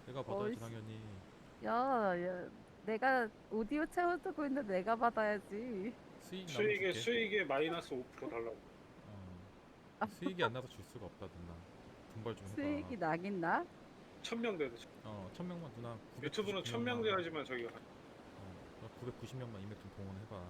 내가 받아야지 어이씨. 당연히. 야, 내가 오디오 채워두고 있는데 내가 받아야지. 수익 나면 수익에 줄게. 수익에 마이너스 5% 달라고. 수익이 안 나서 줄 수가 없다 누나. 분발 좀 해봐. 수익이 나긴 나? 1000명 돼도 1000명만 누나 유튜브는 1000명 999명만. 돼야지만 저기가 990명만 이맥 좀 동원해봐.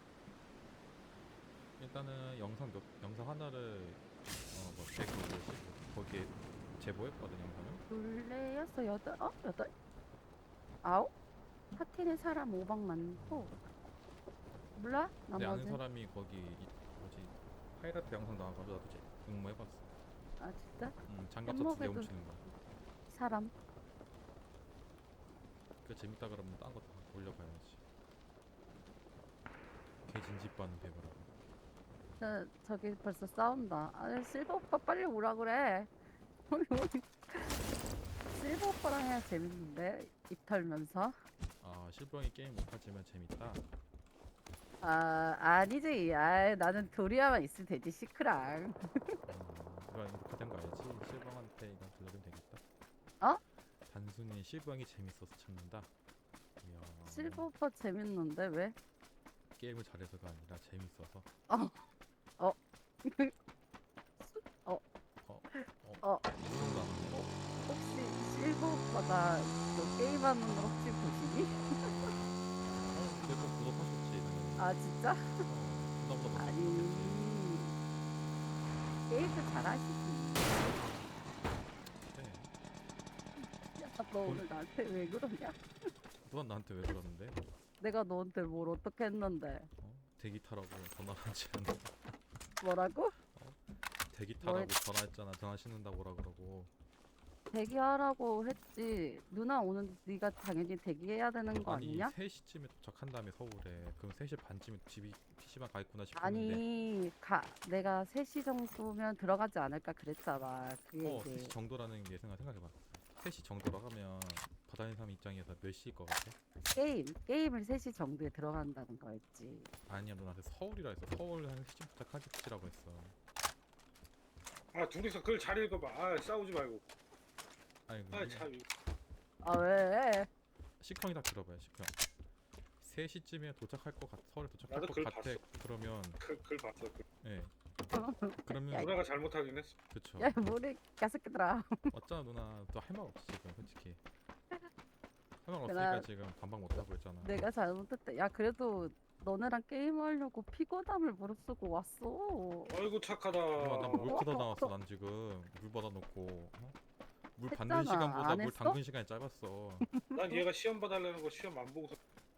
일단은 영상 하나를 뭐 100, 거기에 제보했거든 영상을. 둘레, 여섯, 여덟, 여덟? 아홉? 파티는 사람 5박 많고. 몰라? 내 아는 나머지. 사람이 거기 뭐지 하이라이트 영상 나와가지고 나도 응모해봤어. 아, 진짜? 장갑차 2대 햄버거도 훔치는 거. 사람. 그 재밌다 그러면 딴 거 다 올려봐야지. 개진집반은 배우라고. 저기 벌써 싸운다. 아, 실버 오빠 빨리 오라 그래. 실버 오빠랑 해야 재밌는데, 입 털면서. 실버형이 게임 못하지만 재밌다. 아, 아니지. 아, 나는 도리아만 있으면 되지, 시크랑. 이거 녹화된 거 알지? 실버형한테 이거 들려주면 되겠다. 어? 단순히 실버형이 재밌어서 찾는다. 이야, 실버 오빠 재밌는데, 왜? 게임을 잘해서가 아니라 재밌어서. 어, 어, 어, 어, 어. 이런 거 아니야? 혹시 실버 오빠가 너 게임하는 거 혹시 보시니? 내거 구독하셨지 당연히. 아, 진짜? 나보다 먼저 아니, 구독했지. 게임도 잘하시지. 그래. 야, 너 오늘 나한테 왜 그러냐? 누가 나한테 왜 그러는데? 내가 너한테 뭘 어떻게 했는데? 대기 타라고 전화하지 않아. 뭐라고? 대기 뭘 타라고 전화했잖아. 전화 씻는다고 오라 그러고. 대기하라고 했지. 누나 오는 네가 당연히 대기해야 되는 거 아니 아니냐? 3시쯤에 도착한 다음에 서울에. 그럼 3시 반쯤에 집이 PC방 가 있구나 싶었는데. 아니, 내가 3시 정도면 들어가지 않을까 그랬잖아. 그게 이제 3시 정도라는 게 생각해봐. 3시 정도라 하면 바다인 사람 입장에서 몇 시일 것 같아? 게임을 3시 정도에 들어간다는 거였지. 아니야, 너 나한테 서울이라 했어. 서울 한 3시쯤 도착하겠지라고 했어. 아 둘이서 글 잘 읽어봐. 아 싸우지 말고. 아니 아참 아, 왜? 시청이 다 들어봐요. 시청. 3시쯤에 도착할 것 같아. 서울에 도착할 나도 것 글 같아. 봤어. 그러면 글 봤어. 예. 그러면 야, 누나가 잘못하긴 했어. 그쵸. 야, 뭐래, 까새끼들아. 맞잖아 누나. 또 할 말 없지 지금 솔직히. 할 말 내가, 없으니까 지금 반박 못 하고 있잖아. 내가 잘못했다. 야, 그래도 너네랑 게임하려고 피곤함을 무릅쓰고 왔어. 아이고 착하다. 난 물 퍼다 나왔어. 난 지금 물 받아놓고 물 받는 했잖아. 시간보다 안 물 했어? 담근 시간이 짧았어. 난 얘가 시험 봐달라는 거 시험 안 보고서.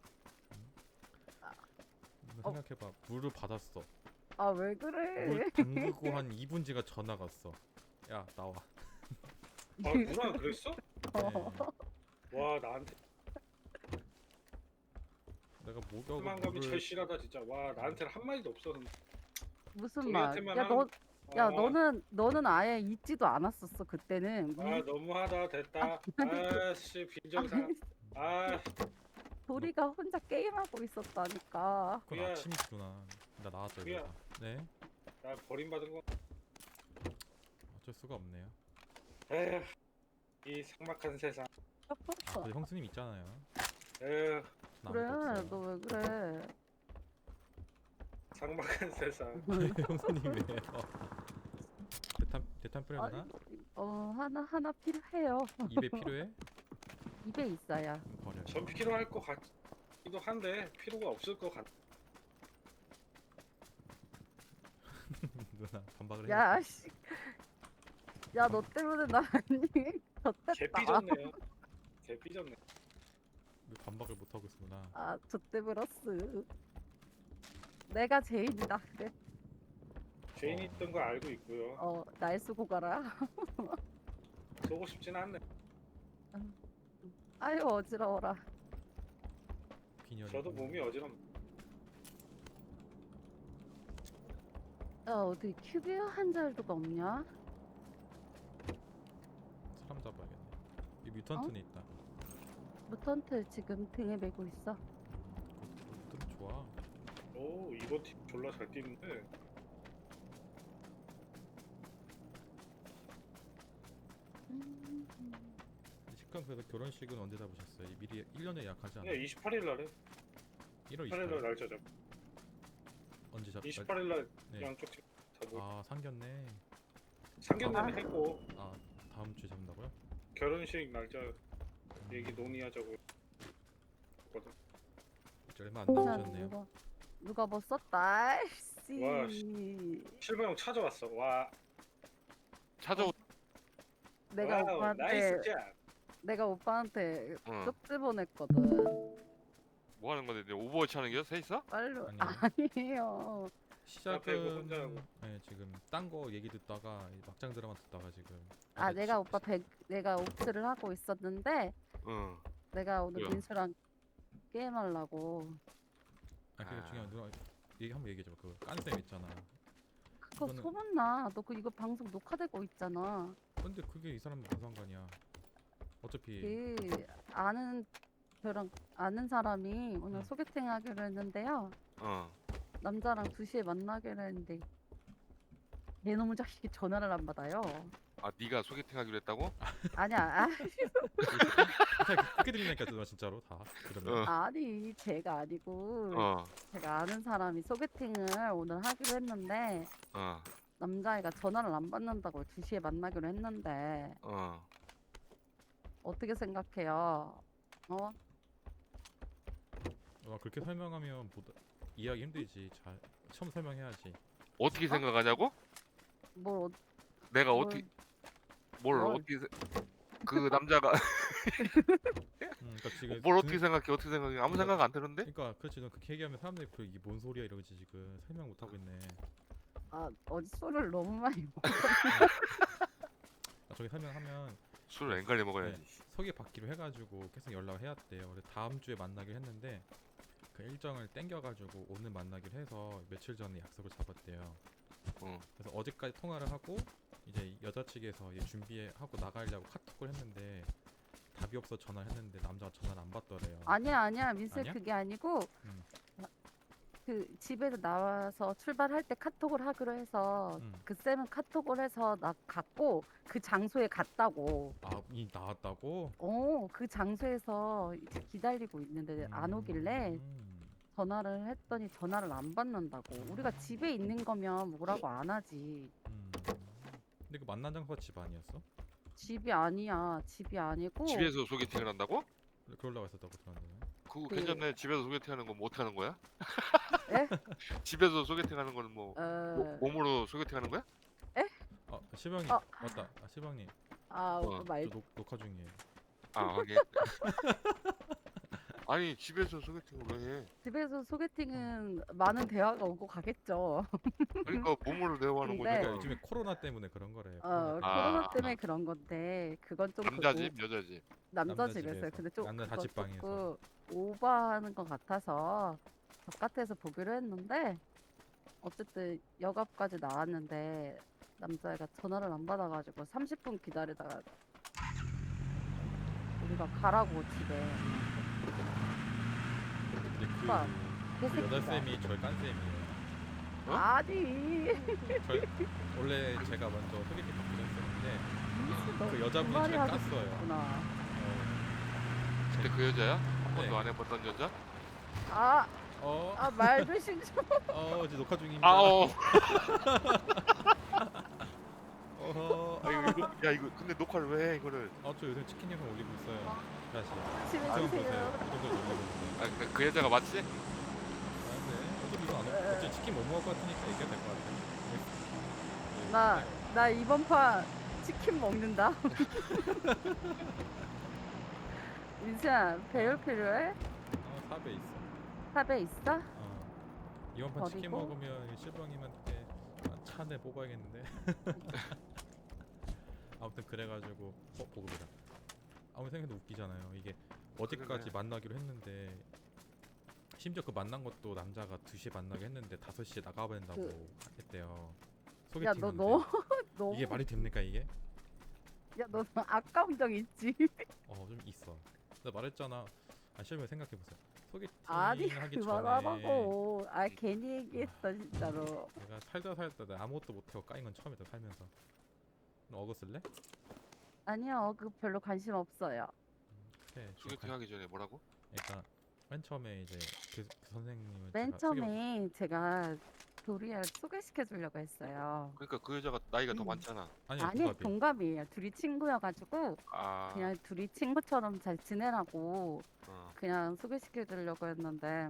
어. 생각해봐. 물을 받았어. 아, 왜 물 그래? 담그고 한 2분 지가 전화가 왔어. 야 나와. 아 누나가 그랬어? 네. 와 나한테 내가 목욕을 실망감이 물을 절실하다 진짜. 와 나한테는 한 마디도 없어. 무슨 말? 우리한테만 야, 한. 너는 아예 있지도 않았었어, 그때는. 너무하다 됐다. 아씨 빈정상. 아니, 아 도리가 혼자 게임하고 있었다니까. 그건 그야 아침이구나. 나 나왔죠 그야 이거. 네. 나 버림받은 거. 어쩔 수가 없네요. 에휴 이 삭막한 세상. 근데 형수님 있잖아요. 에휴 나 그래, 아무도 없어요. 너 왜 그래? 삭막한 세상. 형수님 왜요? 대탄 뿌려야 되나? 하나 필요해요. 입에 필요해? 입에 있어야. 버려요. 전 필요할 것 같기도 한데 필요가 없을 것 같. 누나 반박을 야, 해야지. 씨. 야, 너 때문에 나 아니. 개 졌댔다. 삐졌네요. 개 삐졌네. 왜 반박을 못 하고 있구나. 아, 좆대브러스. 내가 죄인이다. 그래. 죄인이 있던 거 알고 있고요. 날 쓰고 가라. 쏘고 싶진 않네. 아유, 어지러워라. 빈혈이. 저도 몸이 어지럽. 야, 어디 큐비어 한 자루가 없냐? 사람 잡아야겠네. 이 뮤턴트는 있다. 무턴트 지금 등에 메고 있어. 뮤턴트 좋아. 오 이번 팀 졸라 잘 뛰는데. 이제 그럼 그래서 결혼식은 언제 잡으셨어요? 미리 1년에 예약하지 않아요? 네, 28일 날에 1월 28일 날 28일 날짜 잡. 언제 잡? 28일 날 네. 양쪽 다 뭐. 아 상견례. 상견례는 했고 아 다음 주에 잡는다고요? 결혼식 날짜 얘기 논의하자고 했거든. 이제 얼마 안 자, 남으셨네요. 누가 뭐 썼다. 씨. 와, 실버 형 찾아왔어. 와, 찾아오. 내가 와우, 오빠한테 나이스 잡. 내가 오빠한테 응. 쪽지 보냈거든. 뭐 하는 건데? 이제 오버워치 하는 게요? 세 있어? 빨리 아니요. 아니에요. 배구 혼자 하고. 시작은 네, 지금 딴 거 얘기 듣다가 이 막장 드라마 듣다가 지금 아 어제 내가 오빠 내가 옵트를 하고 있었는데 응. 내가 오늘 뭐야? 민수랑 게임하려고. 아 그게 아. 중요한 누나 얘기 한번 얘기해 줘. 그 깐쌤 있잖아. 그거 이거는- 소문나. 너 그 이거 방송 녹화되고 있잖아. 근데 그게 이 사람 무슨 상관이야? 어차피 그 아는 저랑 아는 사람이 오늘 응. 소개팅 하기로 했는데요. 어. 남자랑 2시에 만나기로 했는데 얘놈의 자식이 전화를 안 받아요. 아 네가 소개팅 하기로 했다고? 아니야. 그렇게 들리니까 누나 진짜로 다 그러면 어. 아니 제가 아니고 어. 제가 아는 사람이 소개팅을 오늘 하기로 했는데 어. 남자애가 전화를 안 받는다고 2시에 만나기로 했는데 어. 어떻게 생각해요? 어? 그렇게 설명하면 이해하기 힘들지. 잘 처음 설명해야지. 어떻게 생각하냐고? 뭘 내가 뭘- 어떻게 뭘 뭘. 어떻게 그 남자가 그러니까 지금 뭘 어떻게 생각해? 어떻게 생각해? 아무 생각 안 드는데? 그러니까 그렇지. 너 그렇게 얘기하면 사람들이 이게 뭔 소리야 이러지 지금 설명 못 하고 있네. 아, 어제 술을 너무 많이 먹. 저기 설명하면 술을 앵갈려 먹어야지. 소개 받기로 해가지고 계속 연락을 해왔대요. 그래서 다음 주에 만나기로 했는데 그 일정을 땡겨가지고 오늘 만나기로 해서 며칠 전에 약속을 잡았대요. 어. 그래서 어제까지 통화를 하고 이제 여자 측에서 이제 준비하고 나가려고 카톡을 했는데 답이 없어 전화를 했는데 남자가 전화를 안 받더래요. 아니야 민수 아니야? 그게 아니고 음. 그 집에서 나와서 출발할 때 카톡을 하기로 해서 음. 그 쌤은 카톡을 해서 나 갔고 그 장소에 갔다고. 이 나왔다고? 그 장소에서 이제 기다리고 있는데 안 오길래 전화를 했더니 전화를 안 받는다고. 우리가 집에 있는 거면 뭐라고 안 하지. 근데 그 만난 장소가 집 아니었어? 집이 아니야. 집이 아니고 집에서 소개팅을 한다고? 그러려고 했었다고 들었는데. 그거 그- 괜찮네. 집에서 소개팅하는 건 뭐 어떻게 하는 거야? 에? 집에서 소개팅하는 거는 뭐 몸으로 소개팅하는 거야? 시방님 어. 맞다. 시방님 어, 말 저 녹화 중이에요. 아, 하긴. 아니 집에서 소개팅을 왜 해? 집에서 소개팅은 많은 대화가 오고 가겠죠. 그러니까 몸으로 대화하는 근데- 거잖아. 그러니까 요즘에 코로나 때문에 그런 거래. 코로나 아. 때문에 그런 건데 그건 좀 남자 그거- 집, 여자 집. 남자 남자 집에서요. 집에서. 근데 좀 남자 그거 자취방에서. 조금 오버하는 것 같아서 바깥에서 보기로 했는데 어쨌든 역앞까지 나왔는데 남자애가 전화를 안 받아가지고 30분 기다리다가 우리가 가라고 집에. 근데 오빠, 그 개새끼가. 여자 쌤이 저를 깐 쌤이에요. 어? 아니 원래 제가 먼저 소개팅 받기로 했었는데 민수 너 그 여자분이 말이 잘 하고 깠어요. 싶구나. 근데 그 여자야? 한 번도 네. 안 해봤던 여자? 말 조심 좀. 이제 녹화 중입니다. 아, 어. 어허. 야 이거 근데 녹화를 왜 해 이거를? 저 요새 치킨 영상 올리고 있어요. 다시. 조심히 지금 보세요. 주세요. 이 정도 올리고 있는데. 그 여자가 맞지? 네. 어차피 이거 안 어차피 치킨 못 먹을 것 같으니까 얘기가 될 것 같아요. 나 이번 판 치킨 먹는다. 민수야 배율 필요해? 삽에 있어. 탑에 있어? 이번 판 치킨 버리고? 먹으면 실버님한테 차 한 대 뽑아야겠는데. 아무튼 그래가지고 보급이다. 아무리 생각해도 웃기잖아요. 이게 어제까지 그러네. 만나기로 했는데 심지어 그 만난 것도 남자가 2시에 만나기로 했는데 5시에 나가야 된다고 했대요. 야 소개팅인데 너 이게 말이 됩니까 이게? 너 아까운 적 있지? 좀 있어. 내가 말했잖아. 실버 생각해보세요. 소개팅 아니 하기 전에 그만하라고. 괜히 얘기했어 진짜로. 내가 살다 내가 아무것도 못하고 까인 건 처음이다 살면서. 너 어거 쓸래? 아니요 그 별로 관심 없어요. 앞에 소개팅 하기 전에 뭐라고? 그러니까 맨 처음에 이제 그 선생님을 맨 제가 처음에 제가 도리아를 소개시켜 주려고 했어요. 그러니까 그 여자가 나이가 더 음. 많잖아. 아니요 아니, 동갑이에요. 동갑이에요. 둘이 친구여가지고 아, 그냥 둘이 친구처럼 잘 지내라고 어. 그냥 소개시켜 주려고 했는데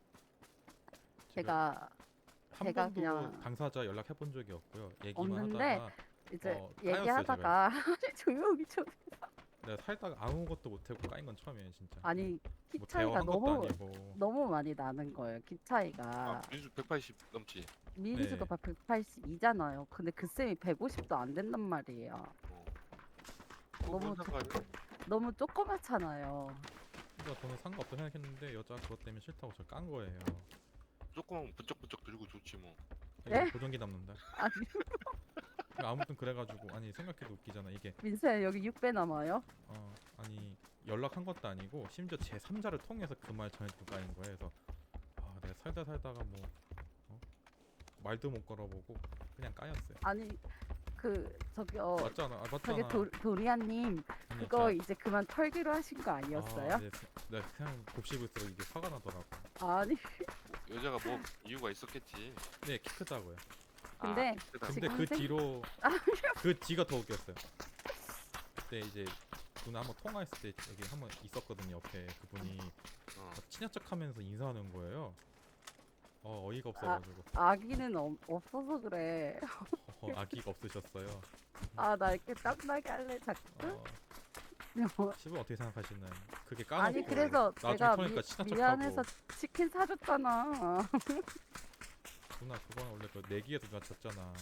제가 한 제가 번도 그냥 당사자 연락해 본 적이 없고요. 얘기만 없는데 하다가 이제 까였어요, 얘기하다가 조용히 좀 내가 살다가 아무것도 못하고 까인 건 처음이에요 진짜. 아니 키 뭐 차이가 대화한 것도 너무 아니고. 너무 많이 나는 거예요. 키 차이가. 민수 180 넘지. 민수가 네. 막 182잖아요. 근데 그 쌤이 150도 안 된단 말이에요. 어. 그거 너무 뭔 상관이야? 너무 조그맣잖아요. 그러니까 저는 상관없다 생각했는데 여자 그것 때문에 싫다고 저 깐 거예요. 조금 번쩍번쩍 들고 좋지 뭐. 네? 이거 보정기 남는다. 아니 아무튼 그래가지고 아니 생각해도 웃기잖아 이게. 민수야 여기 6배 남아요? 아니 연락한 것도 아니고 심지어 제 3자를 통해서 그 말 전해주고 까인 거예요. 그래서 내가 살다가 뭐 말도 못 걸어보고 그냥 까였어요. 아니 그 저기요 맞잖아. 맞잖아. 저기 도리아님 아니, 그거 자, 이제 그만 털기로 하신 거 아니었어요? 네, 네, 그냥 곱씹을수록 이게 화가 나더라고. 아니 여자가 뭐 이유가 있었겠지. 네, 키 크다고요. 근데 아, 크다. 근데 지금 그 생- 뒤로 그 뒤가 더 웃겼어요. 그때 이제 누나 한번 통화했을 때 여기 한번 있었거든요. 옆에 그분이 어. 친한 척하면서 인사하는 거예요. 어이가 없어가지고 아기는 없어서 그래. 아기가 없으셨어요. 아 나 이렇게 땀나게 할래 자꾸. 집은 어떻게 생각하시나요? 그게 까놓고 아니 그래서 나중에 내가 통화하니까 친한 미안해서 척하고 치킨 사줬잖아. 누나 그건 원래 그 내기에서 누나 졌잖아.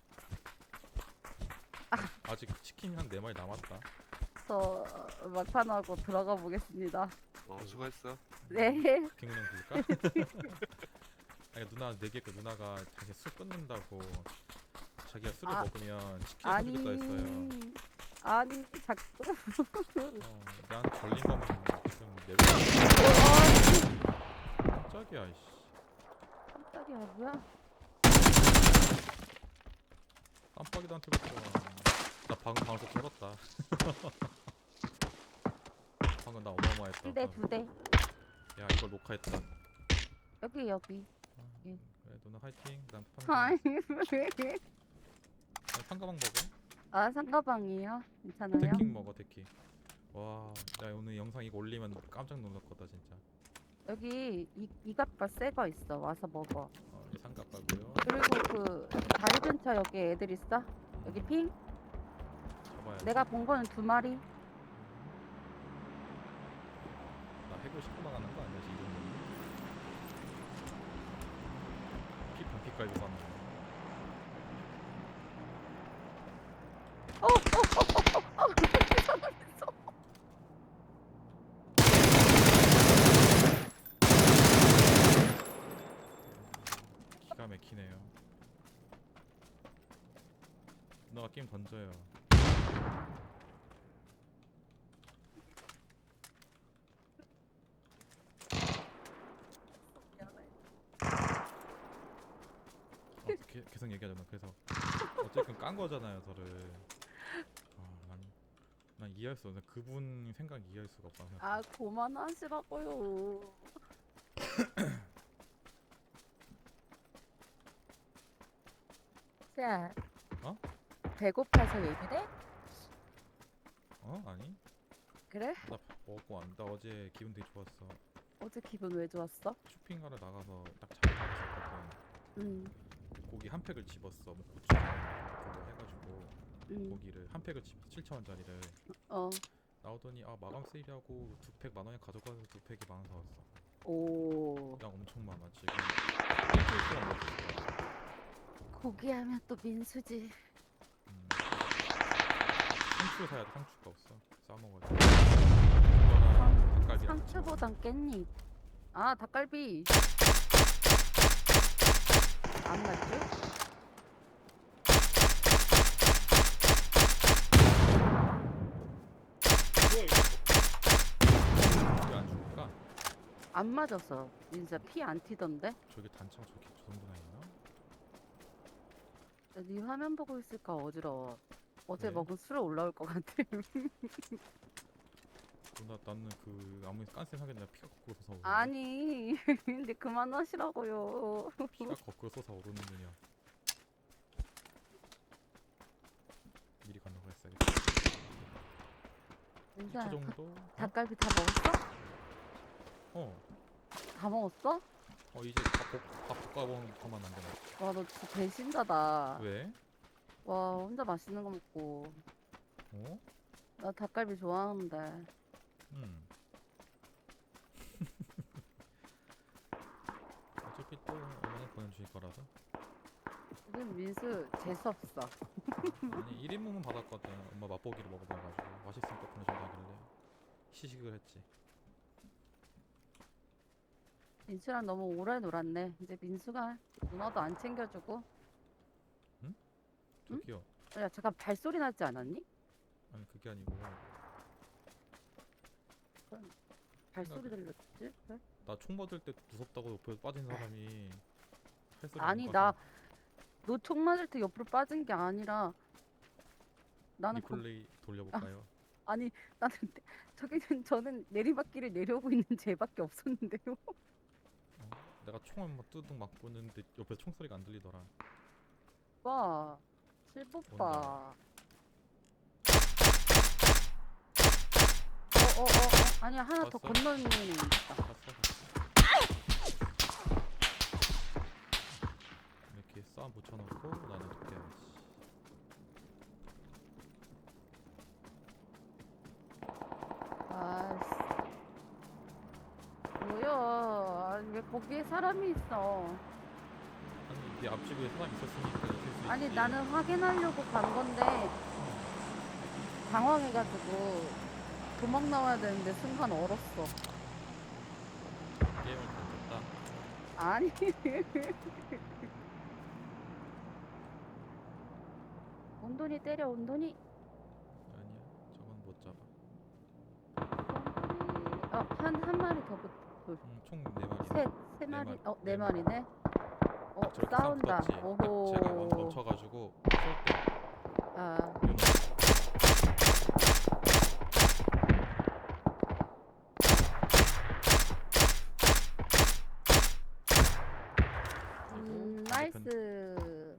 아직 치킨 한 4마리 남았다. 저 막판하고 들어가 보겠습니다. 수고했어. 네. 김은영 줄까? 아니 누나 내기했고 누나가 자기 술 끊는다고 자기가 술을 아, 먹으면 치킨 아니 사주겠다 했어요. 아니 자꾸 나한테 걸린 거면 지금 내고 깜짝이야 이씨. 깜짝이야 뭐야? 깜빡이도 안 틀었어. 나 방금 방송 털었다. 방금 나 어마어마했다. 두 대. 야 이걸 녹화했다. 여기. 그래 누나 화이팅. 난 아니 상가방 먹어. 아 상가방이에요? 괜찮아요? 데킹 먹어 데킹. 와, 나 오늘 영상 이거 올리면 깜짝 놀랄 거다 진짜. 여기 이갑바 새거 있어. 와서 먹어. 이 삼각바고요. 그리고 그 다리 근처 여기 애들 있어? 여기 핑? 잡아야 돼. 내가 본 거는 2마리. 나 해고 싶고 나가는 거 아니야 지금? 피깔고 가는 거. 기가 막히네요. 너가 게임 던져요. 계속 얘기하잖아. 그래서 어쨌든 깐 거잖아요, 저를. 난 이해할 수 없어. 그분 생각 이해할 수가 없다. 아 그만하시라고요. 자, 어? 배고파서 얘기래? 아니? 그래? 나 먹고 안. 나 어제 기분 되게 좋았어. 어제 기분 왜 좋았어? 쇼핑하러 나가서 딱 잘 나갔었거든. 고기 한 팩을 집었어. 뭐 고추장 그거 해가지고 고기를 한 팩을 집어 7,000원짜리를 나오더니 마감 세일하고 2팩 10,000원에 가져가서 2팩이 10,000원 사왔어. 오. 양 엄청 많아 지금. 일주일 동안 먹을 거야. 고기 하면 또 민수지. 상추 사야 돼. 상추가 없어. 싸먹어야지. 그거랑 닭갈비. 상추보단 깻잎. 아 닭갈비. 안 맞죠? 뭐야 이거? 왜안 줄까? 안 맞았어. 진짜 피 안 튀던데? 저기 단차가 저렇게 저 정도나 있나? 네 화면 보고 있을까 어지러워. 어제 네. 먹은 술에 올라올 것 같아. 그 나는 그 아무리 깐쌤 하겠냐 피가 거꾸로 솟아오르는데. 아니, 근데 그만하시라고요. 피가 거꾸로 솟아오르는 거냐. 미리 건너가 했어야겠다. 2초 민수야, 정도? 어? 닭갈비 다 먹었어? 어. 다 먹었어? 이제 밥 볶아먹으면 안 되나? 와, 너 진짜 배신자다. 왜? 와, 혼자 맛있는 거 먹고. 어? 나 닭갈비 좋아하는데. 어차피 또 어머니 보내주실 거라서. 요즘 민수 재수없어. 아니 1인분은 받았거든. 엄마 맛보기로 먹어봐가지고 맛있으니까 보내준다길래 시식을 했지. 민수랑 너무 오래 놀았네. 이제 민수가 누나도 안 챙겨주고. 응? 저기요. 야, 잠깐 발소리 나지 않았니? 아니 그게 아니고 발소리 들렸지? 그래? 나 총 맞을 때 무섭다고 옆에 빠진 사람이 할 소리 아니, 못 나 봐서 너 총 맞을 때 옆으로 빠진 게 아니라 나는 리플레이 돌려볼까요? 아니 나는 저는 내리막길을 내려오고 있는 쟤밖에 없었는데요. 내가 총을 막 뚜둥 막 보는데 옆에 총소리가 안 들리더라. 오빠, 실뽀빠. 아니야, 하나 더 봤어? 건너는 애 있다. 봤어? 이렇게 싸움 붙여놓고 나는 도깨야지. 아씨, 뭐야? 아니, 왜 거기에 사람이 있어? 아니 네 앞집에 사람 있었으니까 있을 수 아니 있지. 나는 확인하려고 간 건데 당황해가지고 도망 나와야 되는데 순간 얼었어. 게임을 던졌다. 아니. 온돈이 때려, 온돈이. 아니야 저건 못 잡아. 한 마리 더 붙. 총 4마리. 세 마리. 마리. 네 네 마리. 마리네. 저렇게 싸운다. 싸움 붙었지. 오호. 제가 멈춰가지고 쏠때 아, 나이스.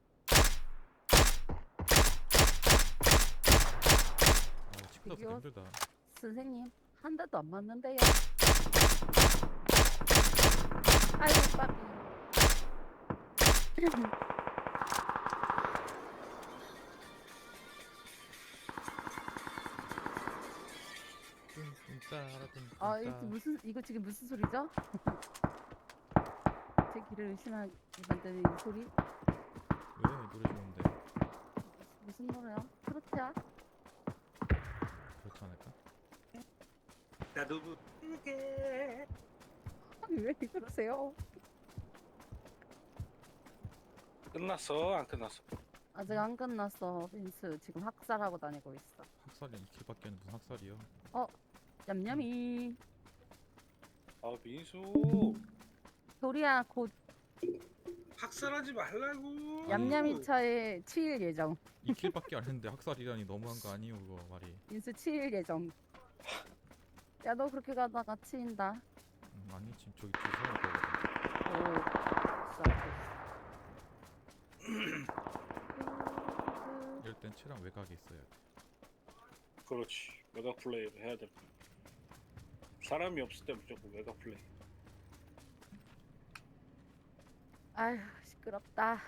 치고 나서 이거- 힘들다. 선생님, 한 대도 안 맞는데요. 아이고, 빠비. 이거 지금 무슨 소리죠? 제 귀를 의심하게 만드는 이 소리? 왜 노래 좋은데 무슨 노래야? 트로트야? 그렇지 않을까? 나도 부게 왜 그러세요? 끝났어 안 끝났어? 아직 안 끝났어. 민수 지금 학살하고 다니고 있어. 학살이 2킬밖에 안 무슨 학살이야? 냠냠이. 아 민수 도리야 곧 학살하지 말라고. 냠냠이 차에 치일 예정. 2킬밖에 안 했는데 학살이라니 너무한 거 아니에요 그거 말이. 민수 치일 예정. 야, 너 그렇게 가다가 치인다. 아니 지금 저기 뒤에 세울 거거든. 오, 진짜. 이럴 땐 채랑 외곽에 있어야 돼. 그렇지 외곽 플레이를 해야 돼. 사람이 없을 때 무조건 외곽 플레이. 아휴, 시끄럽다.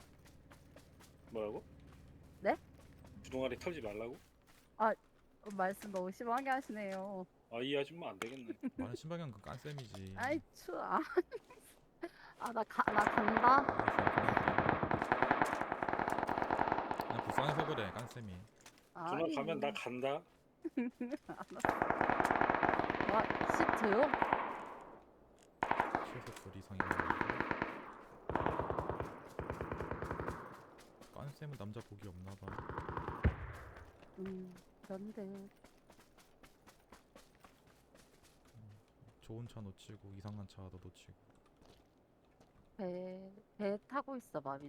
뭐라고? 네? 주둥아리 털지 말라고? 말씀 너무 심하게 하시네요. 아 이 아줌마 안 되겠네. 나는 신방향 그 깐쌤이지. 아이, 추워. 나 간다. 그냥 불쌍해서 그래 깐쌤이. 누나 가면 나 간다. 와, 시트요? 최소 둘 이상이야. 깐쌤은 남자 복이 없나봐. 그런데. 좋은 차 놓치고 이상한 차도 놓치고. 배 타고 있어 봐,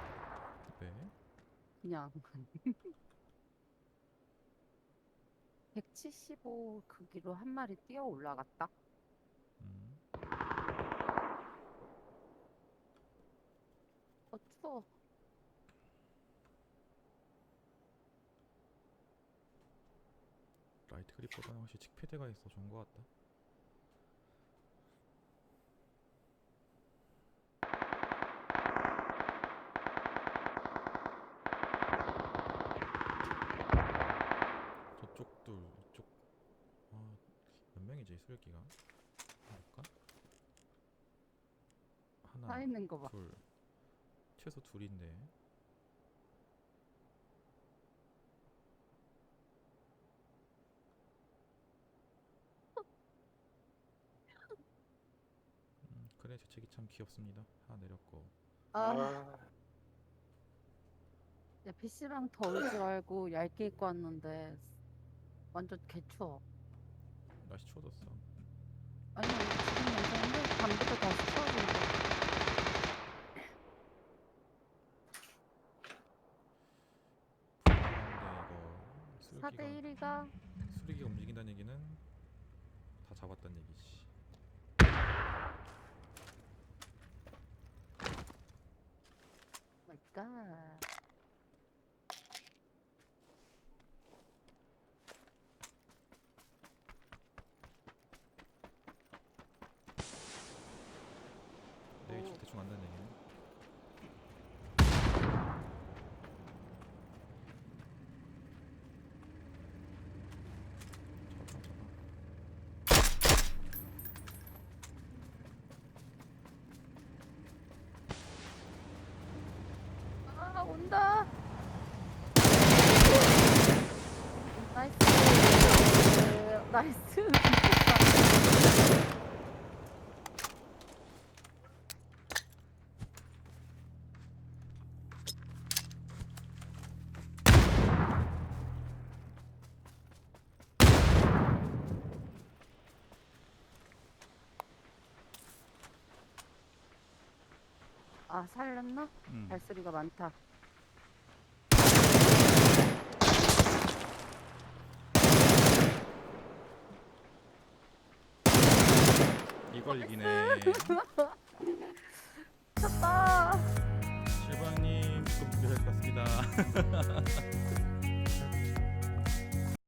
민수야. 왜? 그냥. 175 크기로 한 마리 뛰어 올라갔다. 음. 추워. 라이트 그립보다는 확실히 칙패드가 있어 좋은 것 같다. 저쪽 둘, 이쪽 몇 명이지 술기가? 볼까? 서 하나, 있는 거 봐. 둘, 최소 둘인데. 그래 재채기 참 귀엽습니다. 하나 내렸고. 아, 아, 야, PC방 더울 줄 알고 얇게 입고 왔는데 완전 개추워. 날씨 추워졌어. 아니, 지금 괜찮은데 밤부터 다시 추워진다. 근데 이거 4대 수르기가 1이가 수르기가 움직인다는 얘기는 다 잡았다는 얘기지. 마이 갓. 내 위치 대충 안다는 얘기는. 잡아 잡아. 아, 온다. 나이스. 나이스. 아, 살렸나? 발소리가 많다. 이걸 이기네. 쳤다. 실버님 조금 준비할 것 같습니다.